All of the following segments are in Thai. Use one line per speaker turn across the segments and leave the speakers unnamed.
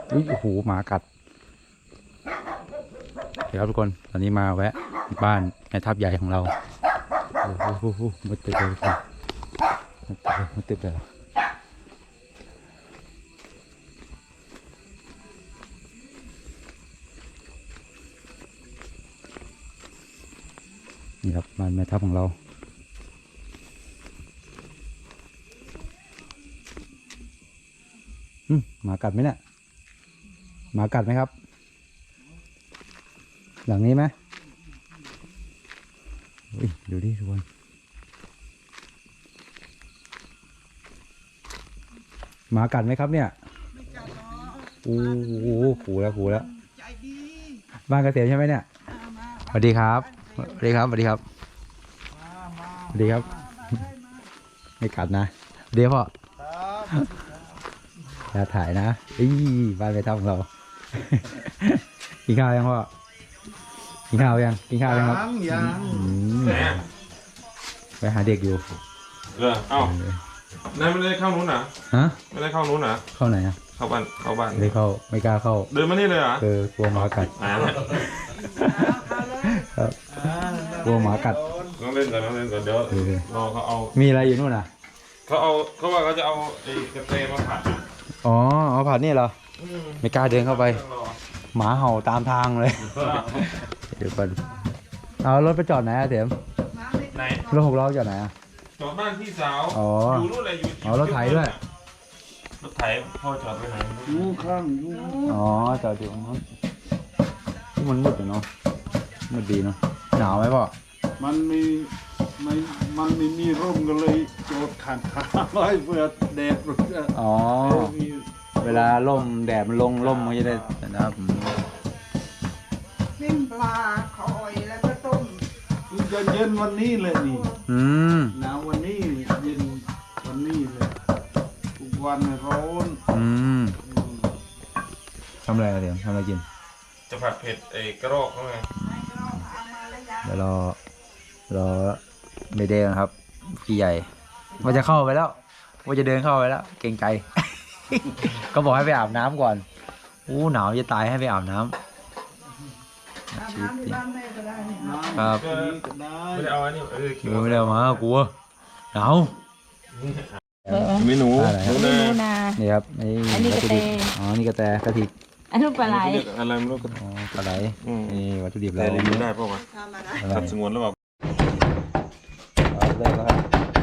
โอ้โหหมากัดเดี๋ยวครับทุกคนตอนนี้มาแวะบ้านในทับใหญ่ของเราโอ้โหมืดตึ๊บเลยมืดตึ๊บเลยนี่ครับบ้านแม่ทัพของเราหมากัดไหมเนี่ยหมากัดไหมครับหลังนี้ไหมดูดิทุกคนหมากัดไหมครับเนี่ยโอ้โหขู่แล้วบ้านเกษตรใช่ไหมเนี่ยสวัสดีครับสวัสดีครับสวัสดีครับสวัสดีครับไม่กัดนะเดี๋ยวพ่อจะถ่ายนะบ้านไปทำของเรากินข้าวยังพ่อกินข้าวยังครับไปหาเด็กอยู่
เอ้านายไม่ได้เข้านู้นนะไม่ได้เข้านู้นนะ
เข้าไหนอ่ะ
เข้าบ้าน
ไม่เข้าไม่กล้าเข้า
เดินมานี่เลยเหรอก
ลัวหมากัดกลัวหมากัด
ต้องเล่นก่อนเดี๋ยวรอเขาเอา
มีอะไรอยู่นู่นน่ะ
เขาว่าเขาจะเอาไอ้กระเตมาผัด
อ๋อเอาผัดนี่เหรอไม่กล้าเดินเข้าไปหมาเห่าตามทางเลยเดี๋ยวก่อนเอารถไปจอดไหนอะเถียม
ไหน
รถ6 ล้อจอดไหนอะ
จอดบ้านพี่สาวอยู่นู่นเลยอยู่
รถไถด้วย
รถไถพ่อจอดไปไหน
อยู่ข้างอยู่
จอดอยู่นู้นมันมืดเนาะมืดดีเนาะหนาวไหมพ่อ
มันไม่มีร่มกันเลยโจดขันขาไว้เพื่อแดด
เวลาล่มแดดมันลงล่มมันจะได้นะครับ
นึ่งปลาคอยแล้วก็ต้ม
จะเย็นวันนี้เลยนี่หนาววันนี้เย็นวันนี้เลยทุกวันร้อน
ทำอะไรเดี๋ยวทำอะไรกิน
จะผัดเผ็ดไอ้กระรอกเขาไง
เดี๋ยวรอไม่เดินครับพี่ใหญ่ว่าจะเข้าไปแล้วว่าจะเดินเข้าไปแล้วเกรงใจก็บอกให้ไปอาบน้ำก่อนหนาวจะตายให้ไปอาบน้ำครับ
ไม่ได้เอาอันนี้
ไม่ได้เอามากลัวหนาว
เมนู
นา
นี่ครับ
อันนี้กระเต
นี่กระแตกระถิก
อันนู้นปลาไหล
อะไรไม่รู้
ปลาไหลนี่วัตถุดิบเรา
รีวิวได้ป่าววะสัดสงวนหรือเปล่า
เริ่มแล้วครับ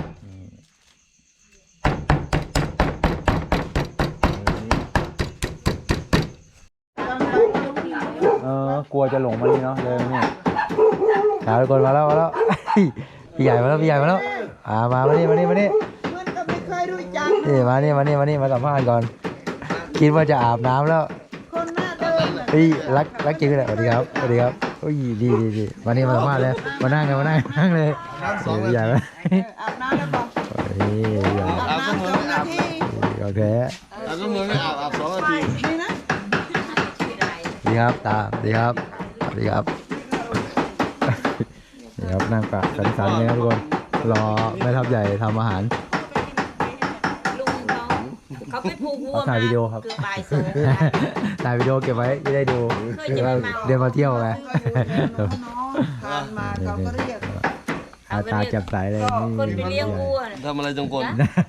กลัวจะหลงมานี่เนาะเลยนี่หาทุกคนมาแล้วพี่ใหญ่มาแล้วมานี่
มันก็ไม่เคยรู้จัก
นี่มาสัมภาษณ์ก่อนคิดว่าจะอาบน้ำแล้ว
คนหน้าเดิม
รักจริงเลยสวัสดีครับดีมานี่มาสัมภาษณ์เลยมานั่งเลยพี่ใหญ่ไหม
อาบน้ำแล้วบอกอาบน้ำ2 นาที
โอเค
อาบน้ำไม่อาบ2 นาที
นี่นะ
ดีครับตาดีครับนี่ครับนั่งปะสันเลยครับทุกคนรอแม่ทัพใหญ่ทำอาหาร
เขาไปผูกวัว
ถ่ายวิดีโอครับถ่ายวิดีโอเก็บไว้จะได้ดูเดี๋ยวมาเที่ยวไง
ทานมาเขาก็เรียก
ตาจับสายเลย
คนไปเลี้ยงวัว
ทำอะไรจงกล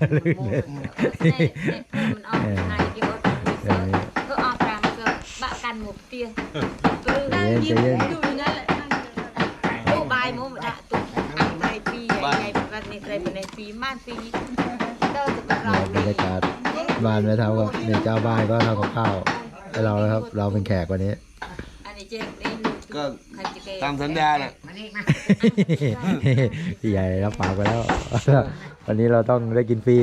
ก็ออกกลางก็บะกันหมดเตี้ยยิ้มอยู่นั่นแหละโอ้บายโมดะตุกในปีใหญ่วันนี้ในปีม่านปีเต้าจะกระไร
บรรยากาศบ้านแม่ทัพกับเนี่ยเจ้าบ้านก็ทำกับข้าวให้เราแล้วครับเราเป็นแขกวันนี้
ก็ตามสัญญาแหละ
พี่ใหญ่รับปากไปแล้ววันนี้เราต้องได้กินฟรี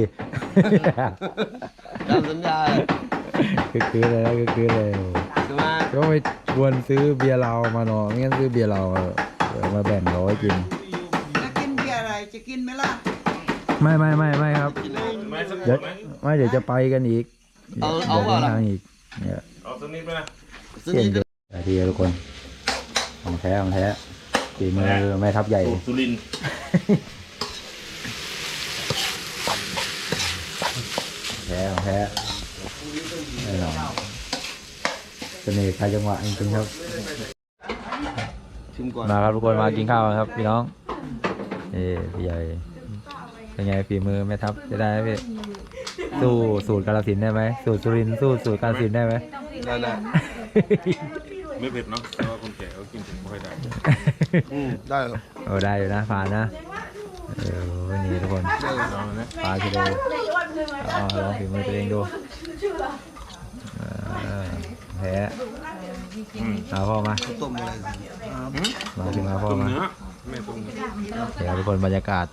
ตามสัญญา
คือเลยก็ไปชวนซื้อเบียร์เรามาหน่อยไม่งั้นซื้อเบียร์เรามาแบ่งเราให้กิน
จะกินเบียร์อะไรจะกินไหมล่ะ
ไม่ครับเดี๋ยวจะไปกันอีก
เอา
ทางอีกเนี่ย
เอาตัวนี้ไปนะ
ทีทุกคนของแท้ฝีมือแม่ทัพใหญ่
สุรินทร์
แท้แน่นอนเสน่ห์ใครจังหวะจริงๆครับ
ชิมก่อน
มาครับทุกคนมากินข้าวกันครับพี่น้องพี่ใหญ่เป็นไงฝีมือแม่ทัพจะได้ไหมพี่สู้สูตรกาฬสินธุ์ได้ไหมสูตรสุรินทร์สู้สูตรกาฬสินธุ์ได้ไหม
ได้
ไม่เผ็ดเนาะเพราะว่าคนแก่เขากินถึงไม่ค่อยได้
ได้เหรอ
โอ้ได้อยู่นะผ่านนะนี่ทุกคน
ลองเลยนะ
ปลาชิโดลองฝีมือตัวเองดูแพ้มาพ่อมา
ต้มอะไร
มาขึ้นมาพ่อ
ต้ม
มา
เนื้อแม่ต้มเนื้อ
เดี๋ยวทุกคนบรรยากาศ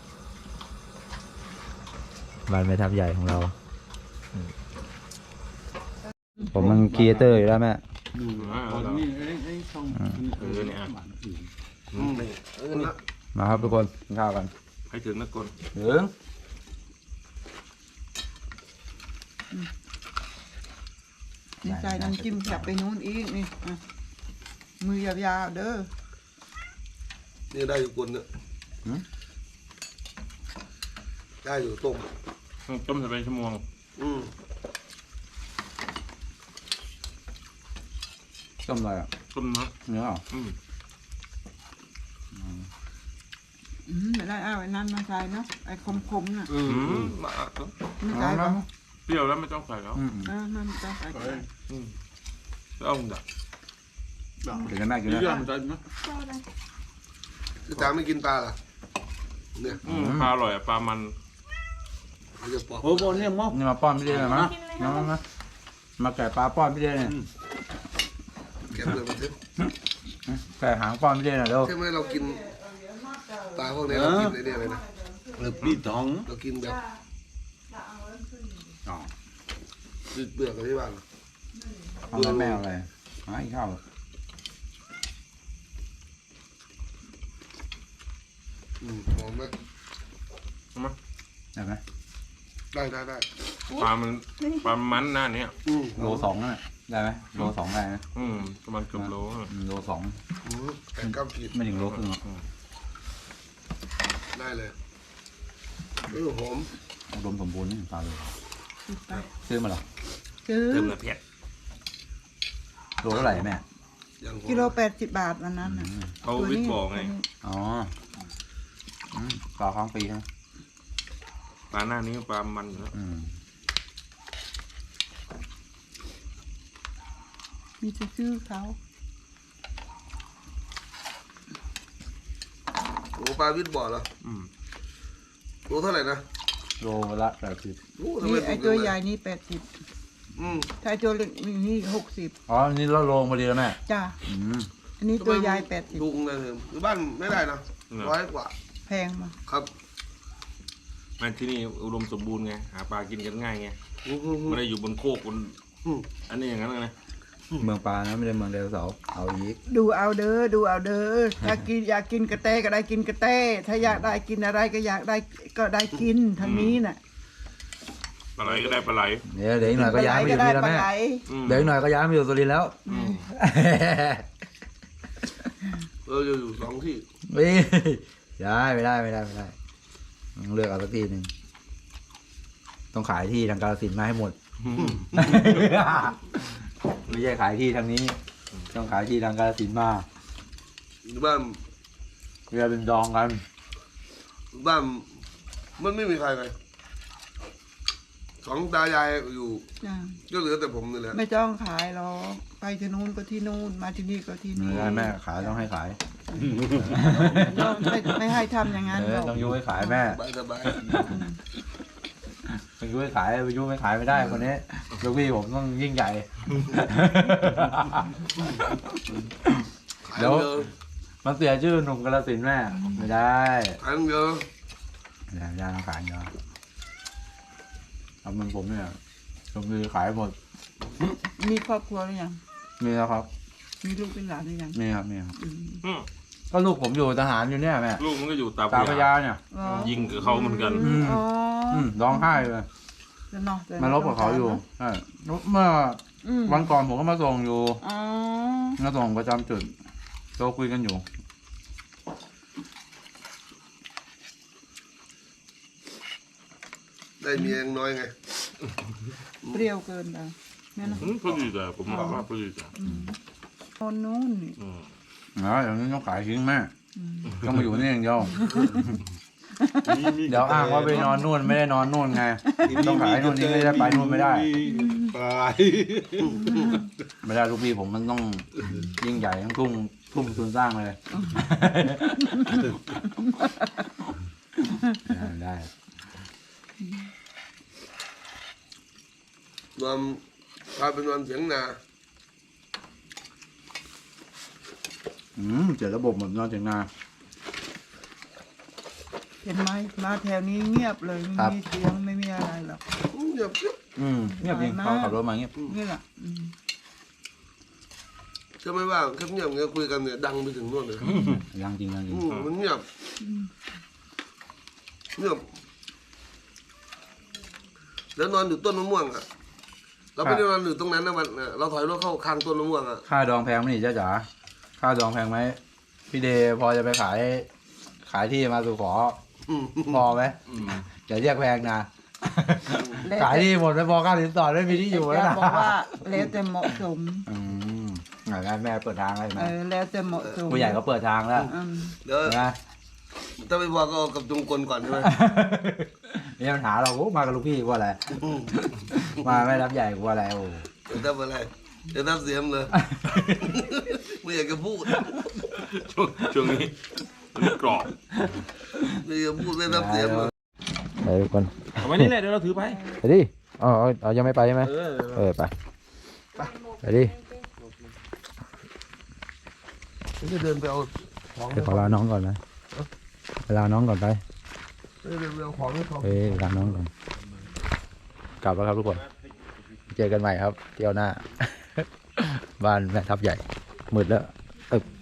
บ้านแม่ทัพใหญ่ของเราผมมันครีเอเตอร์อยู่แล้วแม่
วันนี้ไอ้ช่อง
เนี่ย
มาครับทุกคนกินข้าวกัน
ให้ถึงนักกล
ถึง
นี่ใส่น้ำจิ้มแคบไปนู้นอีกนี่อ่ะมือยาวๆเด้อ
นี่ได้อยู่คนเนี่ยได้อยู่ต้ม
ต้มใส่ไปชั่วโมง
ต้มอะไรอ่ะ
ต้มเนื้อ
เนื้อเหรอ
ไม่ได้เอาไอ้นั่นมาใส่เนาะไอ้คมๆน่ะ
มา
ไม่ใส่ปะ
เปรี้ยวแล้วไม่ต้องใส่แล้ว
นั่นจะใส่ก็ได้
แล้วเอาดัก
เดี๋ยวแม่กินนะ
คือจางไม่กินปลาล่ะเนี่ย
ปลาอร่อยปลามัน
มันจะปอก
โอ้โหเนี่ยมอก
นี่มาป้อนพี่เดชหน่อยมั้ยมาแกะปลาป้อนพี่เดชเนี่ย
แกะเลยมันทึบ
แกะหางป้อนพี่เดชหน่อยเร็ว
ใช่ไหมเรากินปลาพวกนี้เรากินไอ้เนี่ยเลยนะ
ปีตอง
เรากินแบบเปลือกอะไรที่บ้าน
ทำแล้วแม่อะไรหาอีกข้าว
หอมไหม
ได้ไหม
ได้
ปลามันหน้าเนี้ย
โลสองนั่นแหละได้ไหมโลสองได้นะ
ประมาณเกือบโล
โลสอง
แต่ก้ามขีด
ไม่ถึงโลครึ่งหรอก
ได้เลยหอม
อุดมสมบูรณ์นี่ปลาเลยซื้อมาหรอ
ซื้อ
เติมเนื้อเผ็ด
โลเท่าไหร่แม่
อย่างหอม
กิโล80 บาทวันนั้นน่ะ
เขาวิทย์บอกไง
อ๋อปลาค้างปีนะ
ปลาหน้านี้ปลามันอยู่แล้ว
มีจะซื้อเขา
โอ้ปลาวิทย์บ่อเหรอรู้เท่าไหร่นะ
โลละ80
นี่ไอ้ตัวใหญ่นี่80ถ้าไอ้ตัวเล็กนี่60
อ๋อนี่เราโลพอดีแล้วแม่
จ้าอันนี้ตัวใหญ่
ลุงเลยคือบ้านไม่ได้นะ100 กว่า
80แพงมา
ครับ
มันที่นี่อุดมสมบูรณ์ไงหาปลากินกันง่ายไงไม่ได้อยู่บนโคกบนอันนี้อย่างนั้นไง
เมืองปลานะไม่ได้เมืองไดโนเสาร์เอาอีก
ดูเอาเด้อถ้ากินอยากกินกระเต้ก็ได้กินกระเต้ถ้าอยากได้กินอะไรก็อยากได้ก็ได้กินทางนี้น่ะ
ปลาไหลก็ได้ปลาไหล
เดี๋ยวอีกหน่อยก็ย้ายมาอยู่นี่แล้วแม่
ปลาไหล
เดี๋ยวอีกหน่อยก็ย้ายมาอยู่สุรินทร์แล้ว
อยู่2 ที่
ย้ายไม่ได้ต้องเลือกเอาสักทีหนึ่งต้องขายที่ทางกาฬสินธุ์มาให้หมด ไม่ใช่ขายที่ทางนี้ ต้องขายที่ทางกาฬสินธุ์มา
บ้าน
เรือเป็นดองกัน
มันไม่มีใครเลย2 ตายายอยู่
จ้ะ
ก็เหลือแต่ผมนี่แหละ
ไม่ต้องขายหรอกไปที่นู้นก็ที่นู่นมาที่นี่ก็ที่
ไม่
นี่
ได้แม่ขายต้องให้ขาย
ไม่ให้ทำอย่างนั้นหรอก
ต้องยุให้ขายแม่
สบาย
ต้องยุให้ขายไปยุไม่ขายไม่ได้คนนี้ลูกพี่ผมต้องยิ่งใหญ่
ขายเยอะ
มันเสียชื่อหนุ่มกาฬสินธุ์แม่ไม่ได้
ขายเยอะ
ไม่ได้ต้องขายเยอะทำเหมือนผมเนี่ยผมคือขายหมด
มีครอบครัวหรือยัง
มีแล้วครับ
มีลูกเป็นหลานหรือยัง
มีครับก็ลูกผมอยู่ทหารอยู่เนี่ยแม่
ลูกมันก็อยู่ตา
ตาพ
พ
ญา
ญา
เนี่ย
อ๋อ
ยิงกับเขาเหมือนกัน
อ๋อ
ร้องไห้เลย
แล้วเนาะ
มาลบกับเขาอยู่ใช่เมื่อวันก่อนผมก็มาส่งอยู่
อ๋อ
มาส่งประจำจุดเราคุยกันอยู่
ได้เมียน้อยไง
เปรี้ยวเกินไปแม่นะ
พอดีแต่ผมบอกว่าพอดีแต่
นอนนู้นนี่
อย่างนี้ต้องขายทิ้งแม่ต้องมาอยู่นี่อย่างเดียวเดี๋ยวอ้างว่าไปนอนนู่นไม่ได้นอนนู่นไงต้องขายนู่นนี่ไม่ได้ไปนู่นไม่ได้
ปลาย
ไม่ได้ลูกพี่ผมมันต้องยิ่งใหญ่ต้องทุ่มทุนสร้างเลยได้
นอนกลายเป็นนอนเสียงนา
เจอระบบเหมือนนอนเถียงนา
เห็นไหมมาแถวนี้เงียบเลยไม่มีเสียงไม่มีอะไรหรอก
เงียบเชียว
เงียบจริงเขาขับรถมาเงียบ
นี่แหละ
ใช่ไหมว่าแค่เงียบเงี้ยคุยกันเนี่ยดังไปถึงนู่นเลย
ยังจริงยังจริง
มันเงียบเงียบแล้วนอนอยู่ต้นมะม่วงอ่ะเราไม่ได้นอนอยู่ตรงนั้นนะวันเราถอยรถเข้าคางต้นมะม่วงอ่ะ
ค่าดองแพงไหมนี่จ้าจ๋าค่าดองแพงไหมพี่เดย์พอจะไปขายที่มาสู่ขอพอไหมอย่าเรียกแพงนะขายที่หมดไปพอค่าสินสอดไม่มีที่อยู่แล้ว
จะ
นะ
บอกว่าแล้วแต่เหมาะสม
งานแม่เปิดทางให้ไหม
แล้วแต่เหมาะสม
ผู้ใหญ่ก็เปิดทางแล้ว
เดี๋ยว
นะ
ถ้าไม่พอก็เอากับจงกลก่อนใช่ไหม
มีปัญหาเรามากับลูกพี่กว่าอะไรมาไม่รับใหญ่กว่าอะไรโอ้
เดี๋ยวทำอะไรเดี๋ยวทำเสียมเลยไม่อยากจะพูด
ช่วงนี้กรอบ
ไม่อยากพูดไม่ทำเสียมเลย
ไปทุกคน
เอาไว้นี่แหละเดี๋ยวเราถือไป
ไปดิอ๋อยังไม่ไปใช่ไหมไปไปดิ
จะเดินไปเอาของ
เดี๋ยวขอลาน้องก่อนนะลาน้องก่อนไป
เดินไปเอาของให้เขา
ลาน้องก่อนกลับแล้วครับทุกคนเจอกันใหม่ครับเที่ยวหน้า บ้านแม่ทับใหญ่มืดแล้ว